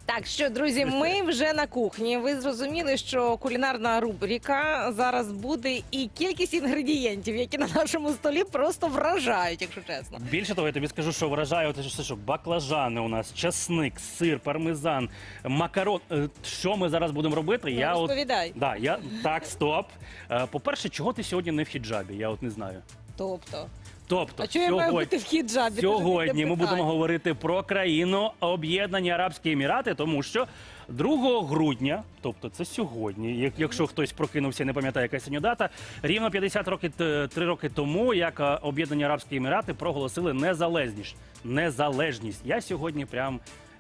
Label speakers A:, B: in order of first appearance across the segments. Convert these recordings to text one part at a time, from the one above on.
A: Так, що, друзі, ми вже на кухні. Ви зрозуміли, що кулінарна рубрика зараз буде, і кількість інгредієнтів, які на нашому столі, просто вражають, якщо чесно.
B: Більше того, я тобі скажу, що вражає от все, що баклажани у нас, часник, сир, пармезан, макарон. Що ми зараз будемо робити?
A: Ну, розповідай.
B: Так, стоп. По-перше, чого ти сьогодні не в хіджабі? Я от не знаю.
A: Тобто,
B: Тобто,
A: а чого я маю бути в хіджабі?
B: сьогодні ми будемо говорити про країну Об'єднані Арабські Емірати, тому що 2 грудня, тобто це сьогодні, якщо хтось прокинувся і не пам'ятає, яка сьогодні дата, рівно 3 роки тому, як Об'єднані Арабські Емірати проголосили незалежність. Я сьогодні прям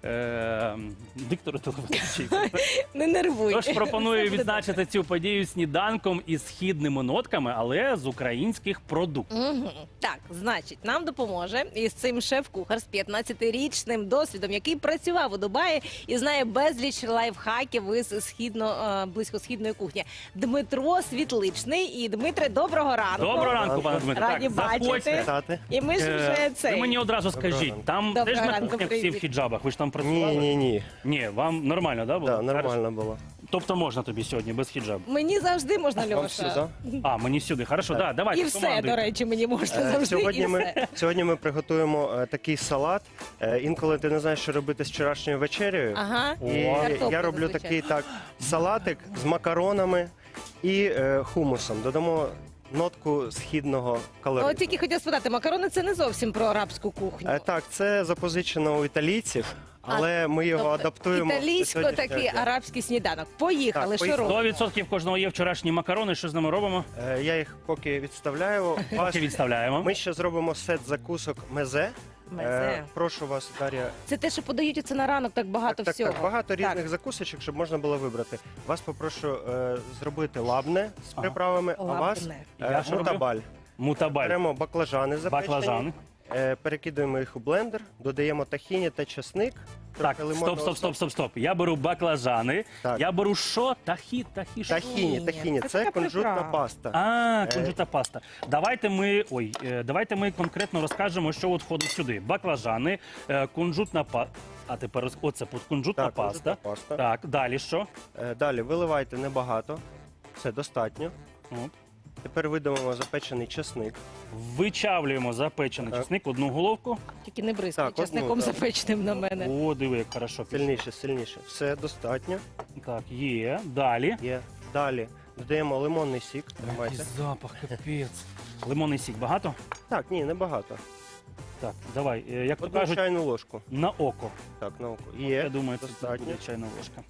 B: диктор телеведучий.
A: Не нервуй.
B: Тож пропоную
A: Все буде
B: відзначити цю подію сніданком із східними нотками, але з українських продуктів.
A: Так, значить, нам допоможе із цим шеф-кухар з 15-річним досвідом, який працював у Дубаї і знає безліч лайфхаків із близькосхідної кухні. Дмитро Світличний. І, Дмитре, доброго ранку.
B: Доброго ранку, пане Дмитре.
A: Раді бачити.
C: Вітати.
A: І ми ж вже
B: Ви мені одразу
C: Доброго
B: скажіть,
C: ранку.
B: там
A: Доброго
B: теж на
A: ранку,
B: кухнях всі в
A: привіт.
B: хіджабах? Ви ж там працювали?
C: Ні.
B: Ні, вам нормально, да, було?
C: Да, нормально було.
B: Тобто можна тобі сьогодні без хіджабу?
A: Мені завжди можна,
C: Вам
A: Льоша.
C: сюди?
B: А, мені сюди. Хорошо, да, давайте.
A: І все,
B: командуйте.
A: до речі, мені можна завжди.
C: Сьогодні
A: і все.
C: сьогодні ми приготуємо такий салат. Інколи ти не знаєш, що робити з вчорашньою вечерею.
A: Ага.
C: І
A: Картопля
C: я роблю
A: зазвичай.
C: такий салатик з макаронами і хумусом. Додамо нотку східного
A: От
C: калориту.
A: тільки хотіла спитати, макарони це не зовсім про арабську кухню.
C: Так, це запозичено у італійців, але ми його
A: Тобто
C: адаптуємо. до
A: італійсько
C: сьогоднішнього
A: такий
C: дня.
A: арабський сніданок. Поїхали,
C: Так,
A: що
C: поїхали.
A: робимо?
B: 100% кожного є вчорашні макарони. Що з ними робимо?
C: Я їх поки відставляю.
B: Поки відставляємо.
C: Ми ще зробимо сет закусок мезе.
A: Мезе.
C: Прошу вас, Дар'я.
A: Це те, що подають оце на ранок, так багато
C: Так,
A: всього.
C: багато різних
A: Так.
C: закусочок, щоб можна було вибрати. Вас попрошу зробити лабне з приправами, а вас
A: Лабне.
B: Я що роблю?
C: мутабаль.
B: Мутабаль.
C: Беремо баклажани запечені,
B: Баклажани.
C: перекидуємо їх у блендер, додаємо тахіні та часник.
B: Так,
C: трохи лимонного
B: стоп. Я беру баклажани.
C: Так.
B: Я беру що? Тахі. що?
C: Тахіні.
A: Це
C: Це
A: така
C: кунжутна
A: приправа.
C: паста.
B: Кунжутна паста. Давайте ми конкретно розкажемо, що от входить сюди. Баклажани, кунжутна паста. А тепер оце кунжутна
C: Так,
B: паста.
C: кунжутна паста.
B: Так, далі що?
C: Далі виливайте небагато. Це достатньо.
B: От.
C: Тепер видавимо запечений часник.
B: Вичавлюємо запечений
C: Так.
B: чесник, одну головку.
A: Тільки не бризкай
C: Так, одну,
A: часником
C: так.
A: запеченим на мене.
B: О, диви, як хорошо пішло.
C: Сильніше. Все достатньо.
B: Так, є. Далі.
C: Є. Далі додаємо лимонний сік.
B: Який
C: Тримайте.
B: запах, капець. Лимонний сік багато?
C: Так, ні, небагато.
B: Так, давай, як то
C: Одну
B: кажуть,
C: чайну ложку.
B: на око.
C: Так, на око.
B: Я
C: Є.
B: думаю, це
C: достатньо.
B: буде чайна ложка.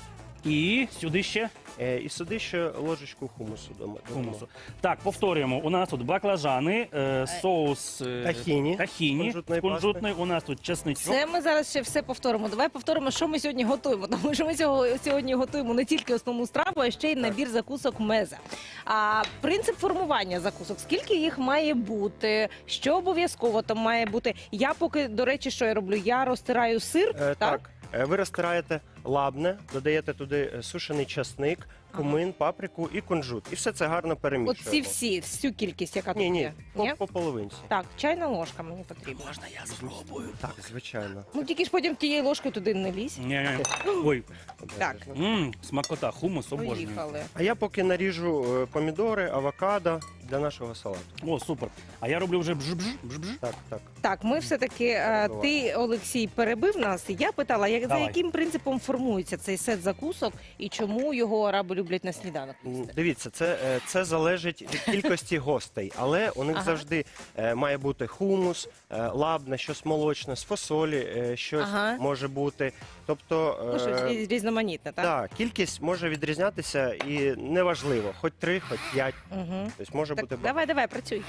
B: І сюди ще
C: І сюди ще ложечку хумусу додамо.
B: хумусу. Так, повторюємо. У нас тут баклажани, соус
C: Тахіні.
B: кунжутний. У нас тут чесничок.
A: Це ми зараз ще все повторимо. Давай повторимо, що ми сьогодні готуємо. Тому що ми сьогодні готуємо не тільки основну страву, а ще й набір закусок мезе. А принцип формування закусок, скільки їх має бути, що обов'язково там має бути. Я поки, до речі, що я роблю? Я розтираю сир,
C: Так. Ви розтираєте лабне, додаєте туди сушений часник, кумин, паприку і кунжут. І все це гарно перемішуємо.
A: всю кількість, яка тут
C: Ні,
A: є.
C: по половинці.
A: Так, чайна ложка мені потрібна.
B: Можна я спробую?
C: Так, звичайно.
A: Ну тільки ж потім тією ложкою туди не лізь.
B: Ні. Ой,
A: Так.
B: смакота, хумус обожнюю.
A: Поїхали.
C: А я поки наріжу помідори, авокадо для нашого салату.
B: О, супер. А я роблю вже бж-бж.
C: Так.
A: Так, ми все-таки, ти, Олексій, перебив нас. І я питала, за
B: Давай.
A: яким принципом формується цей сет закусок і чому його араби люблять на сніданок їсти?
C: Дивіться, це залежить від кількості гостей, але у них
A: Ага.
C: завжди має бути хумус, лабне, щось молочне, з фасолі, щось
A: Ага.
C: може бути. Тобто,
A: Ну, щось різноманітне, так?
C: так, кількість може відрізнятися і неважливо, хоч 3, хоч 5.
A: Угу.
C: Тобто може
A: Так,
C: бути багато.
A: давай, працюй.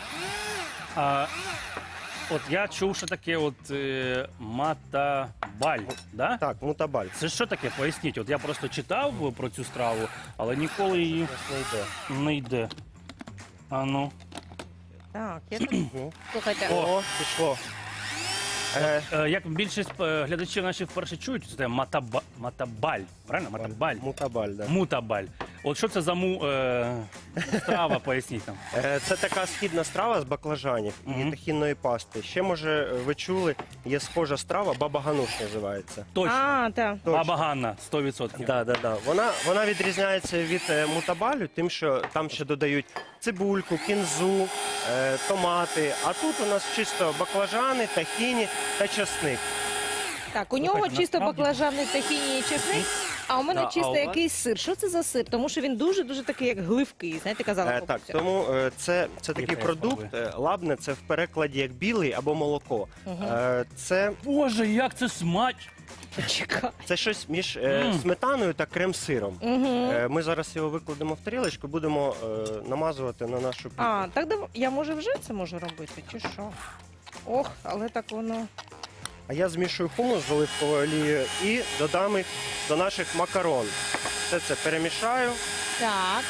B: От я чув, що таке матабаль, да?
C: Так, мутабаль.
B: Це що таке? Поясніть. От я просто читав про цю страву, але ніколи її
C: Ось не йде.
B: не йде. А ну.
A: Так, я тут...
C: Ну.
A: Слухайте,
C: О, пішло.
B: Як більшість глядачів наші вперше чують, це матабаль. Правильно? Матабаль.
C: Мутабаль, да.
B: Мутабаль. От що це за страва, поясніть нам.
C: Це така східна страва з баклажанів і тахінної пасти. Ще, може, ви чули, є схожа страва, баба гануш називається.
B: Точно.
A: А, так.
B: Баба Ганна, 100%.
C: Да. Вона відрізняється від мутабалю, тим, що там ще додають цибульку, кінзу, томати. А тут у нас чисто баклажани, тахіні та часник.
A: Так, у нього
B: Слухайте,
A: чисто
B: насправді-
A: баклажани, тахіні і чесник, а у мене
C: Да, а
A: чисто
C: у вас?
A: якийсь сир. Що це за сир? Тому що він дуже-дуже такий, як гливкий, знаєте, казала
C: Так,
A: бабуся.
C: тому це такий
B: Яка
C: продукт, лабне, це в перекладі як білий або молоко. Це
B: Боже, як це смач!
A: Чекай.
C: Це щось між сметаною та крем-сиром. Ми зараз його викладемо в тарілочку, будемо намазувати на нашу піцу.
A: А, так я може вже це можу робити, чи що? Ох, але так воно.
C: А я змішую хумус з оливковою олією і додам їх до наших макарон. Все це перемішаю.
A: Так.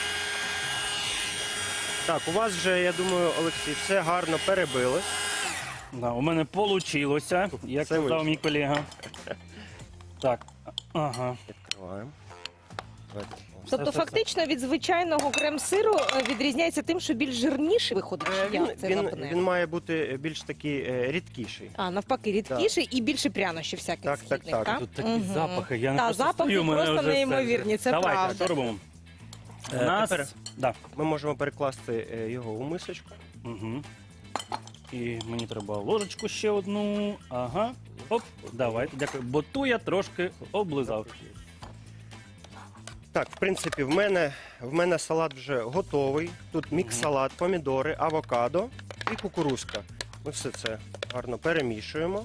C: Так, у вас вже, я думаю, Олексій, все гарно перебилось.
B: Да, у мене вийшло, як
C: Це
B: казав
C: вийшло.
B: мій колега. Так, ага.
C: Відкриваємо. Давайте.
A: Тобто,
B: Все.
A: фактично від звичайного крем-сиру відрізняється тим, що більш жирніший виходить. Чи як це лапне?
C: Він має бути більш такий рідкіший.
A: А, навпаки, рідкіший і більше прянощів всяких
C: Так, так,
A: східних,
C: так.
B: Тут такі
A: Мгм.
B: запахи, я не
A: Та,
B: просто
A: запахи
B: стою, мене
A: просто
B: вже
A: неймовірні, це
B: Давайте,
A: правда.
B: що робимо? У
C: Тепер
B: нас... Да.
C: ми можемо перекласти його у мисочку.
B: Угу. І мені треба ложечку ще одну. Ага. Оп, давайте, дякую. Бо ту я трошки облизав.
C: Так, в принципі, в мене салат вже готовий. Тут мікс-салат, помідори, авокадо і кукурузка. Ми все це гарно перемішуємо.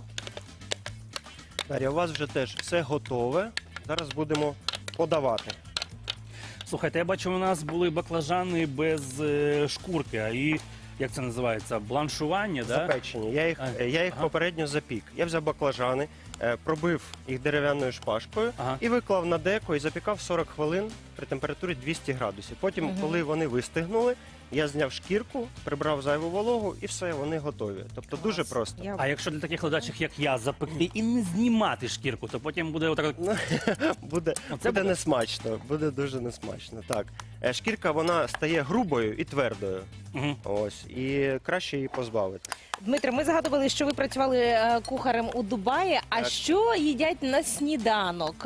C: Дар'я, у вас вже теж все готове. Зараз будемо подавати.
B: Слухайте, я бачу, у нас були баклажани без шкурки, а і, як це називається, бланшування, да?
C: Запечені. Я їх
B: Ага.
C: попередньо запік. Я взяв баклажани, пробив їх дерев'яною шпажкою
B: Ага.
C: і виклав на деко і запікав 40 хвилин при температурі 200 градусів. Потім, коли вони вистигнули, я зняв шкірку, прибрав зайву вологу і все, вони готові. Тобто дуже просто.
A: Я...
B: А якщо для таких ледачих, як я, запекти і не знімати шкірку, то потім буде отак.
C: Буде
B: Оце буде?
C: несмачно, буде дуже несмачно. Так. Шкірка вона стає грубою і твердою.
B: Угу.
C: Ось. І краще її позбавити.
A: Дмитре, ми згадували, що ви працювали кухарем у Дубаї. А
C: Так.
A: що їдять на сніданок?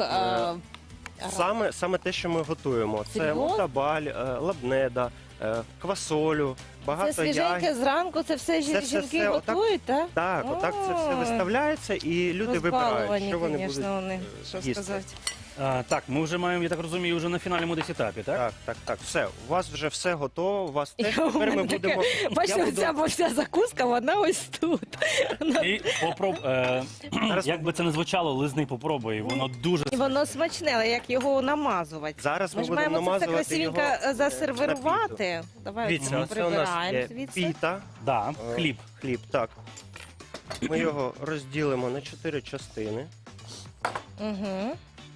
C: Саме те, що ми готуємо. Це
A: Серйозно?
C: мутабаль, лабнеда, квасолю,
A: Це
C: багато
A: свіженьке
C: ягід.
A: зранку, це все
C: Це
A: жінки
C: все отак-
A: готують, так?
C: Так, отак це все
A: Ой.
C: виставляється, і люди вибирають,
A: Розбаловані,
C: що вони
A: звісно,
C: будуть
A: вони, що
C: їсти.
A: сказати.
B: Так, ми вже маємо, я так розумію, вже на фінальному десь етапі, так?
C: Так. Все, у вас вже все готово, у вас теж
A: У
C: тепер ми
A: мене таке,
C: будемо.
A: бачите,
C: Я буду-
A: вся закуска, вона ось тут.
B: І як би це не звучало, лизни попробуй, воно дуже
A: І воно смачне, але як його намазувати?
C: Зараз
A: Ми
C: ми
A: ж
C: будемо
A: маємо це все
C: намазувати
A: красивенько
C: його
A: засервірувати. Давай
C: Дивіться, це у нас
A: прибираємо
C: є
A: звідси.
C: піта,
B: да, хліб.
C: хліб, так. Ми його розділимо на 4 частини.
A: Угу.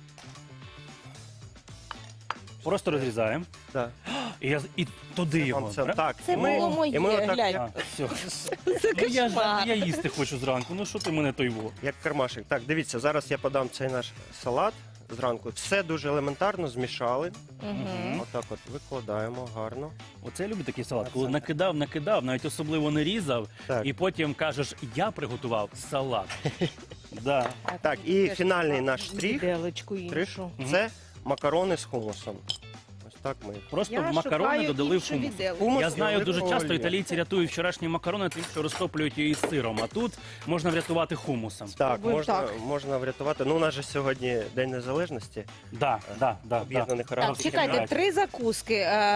B: Просто розрізаємо.
C: Так.
B: І туди його.
C: Вам це,
B: правда?
C: так.
A: Це
C: і ми-
A: було моє,
C: і ми отак,
A: глянь.
B: А, все.
A: Це
B: Ну, я
A: кошмар.
B: їсти хочу зранку. Ну що ти мене той во?
C: як кармашик. Так, дивіться, зараз я подам цей наш салат зранку. Все дуже елементарно змішали.
A: Мгм.
C: Отак от викладаємо гарно.
B: Оце я люблю такий салат, коли накидав, навіть особливо не різав,
C: Так.
B: і потім кажеш, я приготував салат. Да.
C: Так, і фінальний наш штрих,
A: Віделочку
C: штрих
A: іншу.
C: це макарони з хумусом. Ось так ми їх.
B: Просто
A: Я
B: в макарони
A: шукаю
B: додали
A: іншу
B: хумус.
A: віделочку.
C: Хумус
B: Я
C: і
B: знаю, дуже
C: оливкова
B: часто
C: олія.
B: італійці рятують вчорашні макарони тим, що розтоплюють її з сиром, а тут можна врятувати хумусом.
C: Так,
A: Спробуємо так.
C: можна врятувати. Ну, у нас же сьогодні День Незалежності
B: Да.
C: Об'єднаних
A: Так,
C: Арабських
A: чекайте,
C: Еміратів.
A: 3 закуски.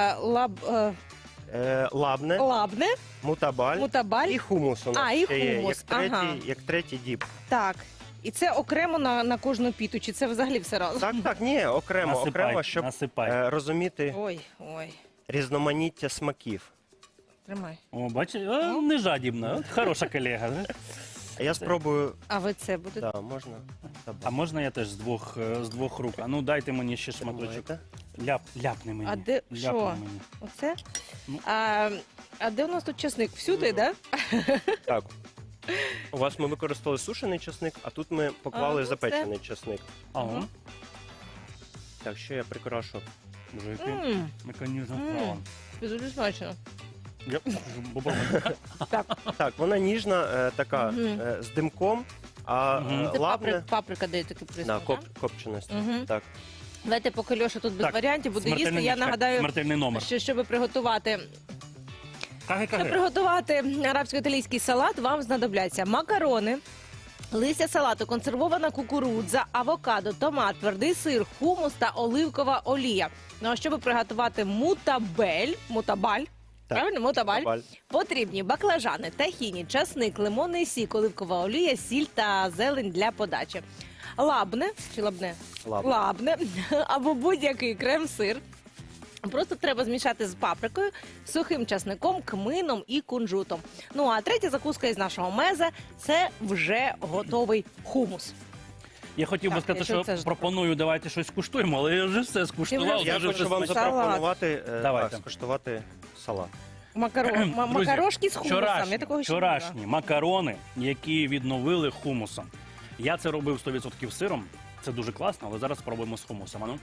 C: Лабне,
A: Лабне,
C: мутабаль
A: мутабаль.
C: і хумус у нас
A: А, і
C: ще є,
A: хумус,
C: як третій діб.
A: Так. І це окремо на кожну піту, чи це взагалі все разом?
C: Так, ні, окремо,
B: Насипай,
C: щоб
B: насипай.
C: розуміти
A: Ой,
C: різноманіття смаків.
A: тримай.
B: О, бачиш, не жадібна, от хороша колега. Да?
C: А я спробую,
A: А ви це будете?
C: да, можна.
B: А можна я теж з двох рук? А ну дайте мені ще шматочок.
C: Давайте.
B: Ляпни мені.
A: А де-
B: Ляпни
A: що?
B: мені.
A: Оце?
B: Ну.
A: А де у нас тут чесник? Всюди, так?
C: Так. У вас ми використали сушений чесник, а тут ми поклали
A: ну,
C: запечений чесник.
B: Ага.
C: Так, ще я прикрашу
B: Дуже який
A: М,
B: механізм
A: М.
B: справа.
A: Це дуже смачно.
B: Я
A: Так,
C: Так, вона ніжна, така
A: Мгм.
C: з димком, а
B: Мгм.
A: це
C: лабне
A: паприка дає такий
C: на
A: присмак, так?
C: копченості.
A: Мгм.
C: Так.
A: Давайте, поки Льоша тут без
B: Так,
A: варіантів буде їсти,
B: смертельний
A: я
B: чекай,
A: нагадаю,
B: смертельний номер.
A: що щоб приготувати
B: Каги.
A: приготувати арабсько-італійський салат, вам знадобляться макарони, листя салату, консервована кукурудза, авокадо, томат, твердий сир, хумус та оливкова олія. Ну а щоб приготувати мутабаль,
C: Так.
A: правильно, мутабаль,
C: Баль.
A: потрібні баклажани, тахіні, часник, лимонний сік, оливкова олія, сіль та зелень для подачі. Лабне чи лабне?
C: Лабне.
A: Лабне або будь-який крем-сир. Просто треба змішати з паприкою, сухим часником, кмином і кунжутом. Ну а третя закуска із нашого меза – це вже готовий хумус.
B: Я хотів би
A: Так,
B: сказати,
A: якщо це
B: що
A: ж
B: пропоную, давайте щось скуштуємо, але я вже все скуштував.
A: вже
C: Я
B: дуже
C: хочу
B: все
C: вам
B: смачно.
C: запропонувати
B: Давайте.
C: скуштувати салат.
B: Друзі,
A: Макарошки з хумусом. Я
B: Вчорашні,
A: такого ще не брала.
B: вчорашні макарони, які відновили хумусом. Я це робив 100% сиром. Це дуже класно, але зараз спробуємо з хумусом. Ану.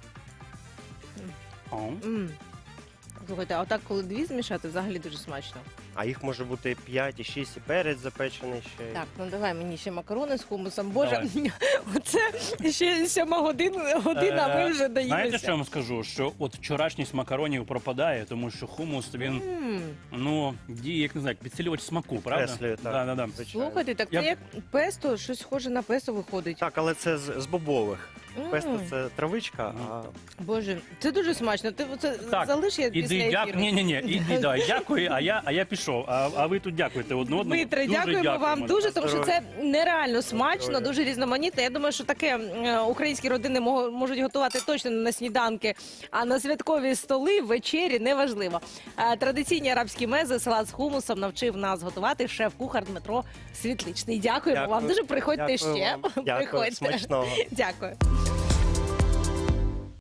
B: О.
A: М. Слухайте, а отак, коли дві змішати, взагалі дуже смачно.
C: А їх може бути 5 і 6, і перець запечений ще.
A: Так, ну давай мені ще макарони з хумусом. Боже,
B: Давай.
A: оце ще 7 година, а ми вже
B: Знаєте,
A: доїлися.
B: що я вам скажу? Що от вчорашність макаронів пропадає, тому що хумус, він,
A: М.
B: ну, діє, як не знаю, як підсилювач смаку, правда?
C: Креслює, так.
B: Да.
C: Звичайно.
A: Слухайте, так
B: Я-
A: це як песто, щось схоже на песто виходить.
C: Так, але це з бобових.
A: М.
C: Песто це травичка, а
A: Боже, це дуже смачно. Ти це
B: Так,
A: залиш я після
B: Іди,
A: ефіру.
B: Ні, іди, давай, дякую, а я пішов. А ви тут дякуєте одне одному.
A: Дмитре,
B: Дуже
A: дякуємо вам дуже, тому що це нереально смачно,
C: Здоров'я.
A: дуже різноманітно. Я думаю, що таке українські родини можуть готувати точно не на сніданки, а на святкові столи, вечері, неважливо. Традиційні арабські мези, салат з хумусом навчив нас готувати шеф-кухар Дмитро Світличний. Дякуємо вам
C: Дякую.
A: дуже. Приходьте
C: Дякую
A: ще.
C: вам. Дякую,
A: Приходьте.
C: смачного.
A: Дякую.